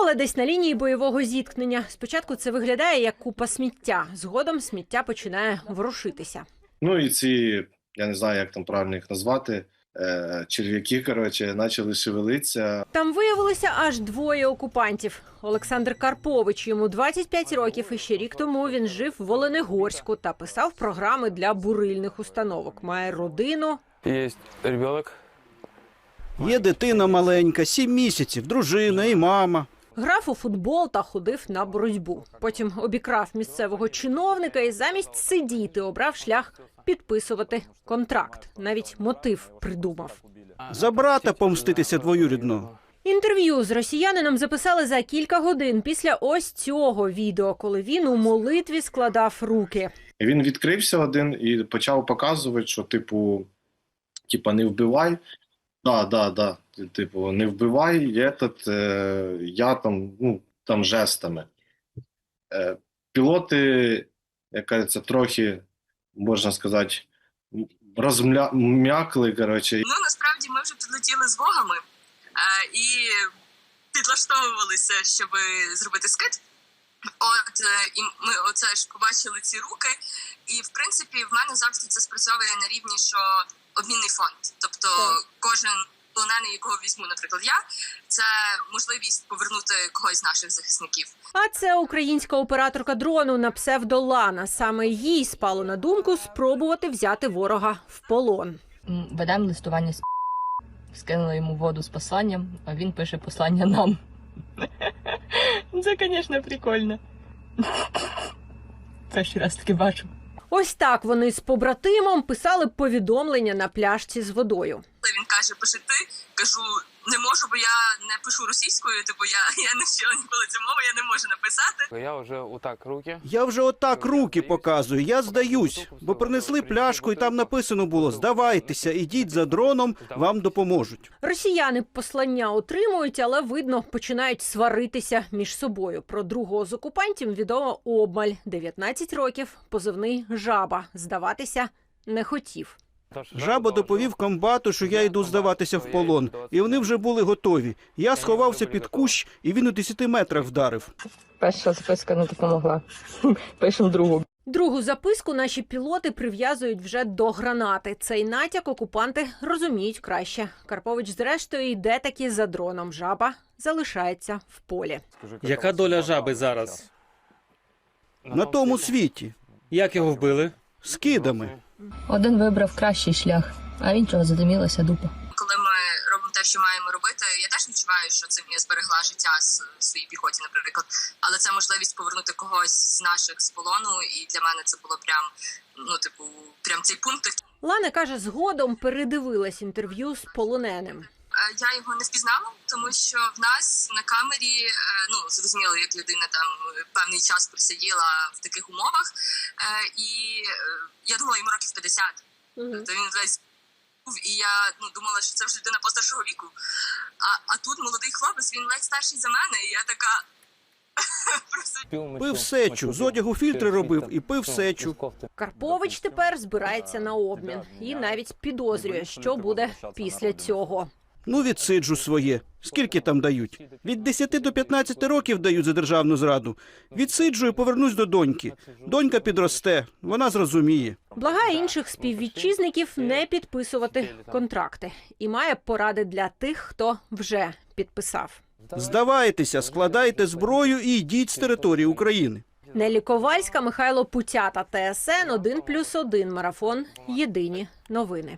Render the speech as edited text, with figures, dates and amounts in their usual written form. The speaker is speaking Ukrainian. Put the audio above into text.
Приїхали десь на лінії бойового зіткнення. Спочатку це виглядає як купа сміття. Згодом сміття починає ворушитися. Ну і ці, я не знаю, як там правильно їх назвати, черв'яки, почали шевелитися. Там виявилося аж двоє окупантів. Олександр Карпович, йому 25 років, і ще рік тому він жив в Оленегорську та писав програми для бурильних установок. Має родину. Є ребенок. Є дитина маленька, 7 місяців, дружина і мама. Грав у футбол та ходив на боротьбу. Потім обікрав місцевого чиновника і замість сидіти обрав шлях підписувати контракт. Навіть мотив придумав. За брата помститися двоюрідного. Інтерв'ю з росіянином записали за кілька годин після ось цього відео, коли він у молитві складав руки. І він відкрився один і почав показувати, що типу не вбивай. Да. Типу, не вбивай, я там жестами. Пілоти, як кажеться, трохи, можна сказати, розм'якли, насправді ми вже підлетіли з вогами і підлаштовувалися, щоб зробити скид. І ми оце ж побачили ці руки. І, в принципі, в мене завжди це спрацьовує на рівні, що обмінний фонд. Тобто кожен полонений, якого візьму, наприклад, я, це можливість повернути когось з наших захисників. А це українська операторка дрону на псевдо Лана. Саме їй спало на думку спробувати взяти ворога в полон. Ведемо листування з скинули йому воду з посланням, а він пише послання нам. Це, звісно, прикольно. Перший раз таки бачу. Ось так вони з побратимом писали повідомлення на пляшці з водою. Він каже, пиши ти, кажу, не можу, бо я не пишу російською, я не вчила ніколи цю мову, я не можу написати. Я вже отак руки показую, я здаюсь, бо принесли пляшку і там написано було: здавайтеся, ідіть за дроном, вам допоможуть. Росіяни послання отримують, але, видно, починають сваритися між собою. Про другого з окупантів відомо обмаль. 19 років, позивний «Жаба». Здаватися не хотів. Жаба доповів комбату, що я йду здаватися в полон, і вони вже були готові. Я сховався під кущ, і він у 10 метрах вдарив. Перша записка не допомогла. Пишемо другу. Другу записку наші пілоти прив'язують вже до гранати. Цей натяк окупанти розуміють краще. Карпович, зрештою, йде таки за дроном. Жаба залишається в полі. Яка доля Жаби зараз? На тому світі. Як його вбили? Скидами. Один вибрав кращий шлях, а іншого задимілася дупа. Коли ми робимо те, що маємо робити, я теж відчуваю, що цим я зберегла життя своїй піхоті, наприклад. Але це можливість повернути когось з наших з полону, і для мене це було прям цей пункт. Лана каже, згодом передивилась інтерв'ю з полоненим. Я його не впізнала, тому що в нас на камері, зрозуміло, як людина там певний час просиділа в таких умовах, і я думала, йому років 50. Тобто він весь був, і я думала, що це вже людина постаршого віку. А тут молодий хлопець, він ледь старший за мене, і я така... Пив сечу, з одягу фільтри робив і пив сечу. Карпович тепер збирається на обмін і навіть підозрює, що буде після цього. Відсиджу своє. Скільки там дають? Від 10 до 15 років дають за державну зраду. Відсиджу і повернусь до доньки. Донька підросте, вона зрозуміє. Благає інших співвітчизників не підписувати контракти. І має поради для тих, хто вже підписав. Здавайтеся, складайте зброю і йдіть з території України. Нелі Ковальська, Михайло Путята, ТСН 1+1, Марафон. Єдині новини.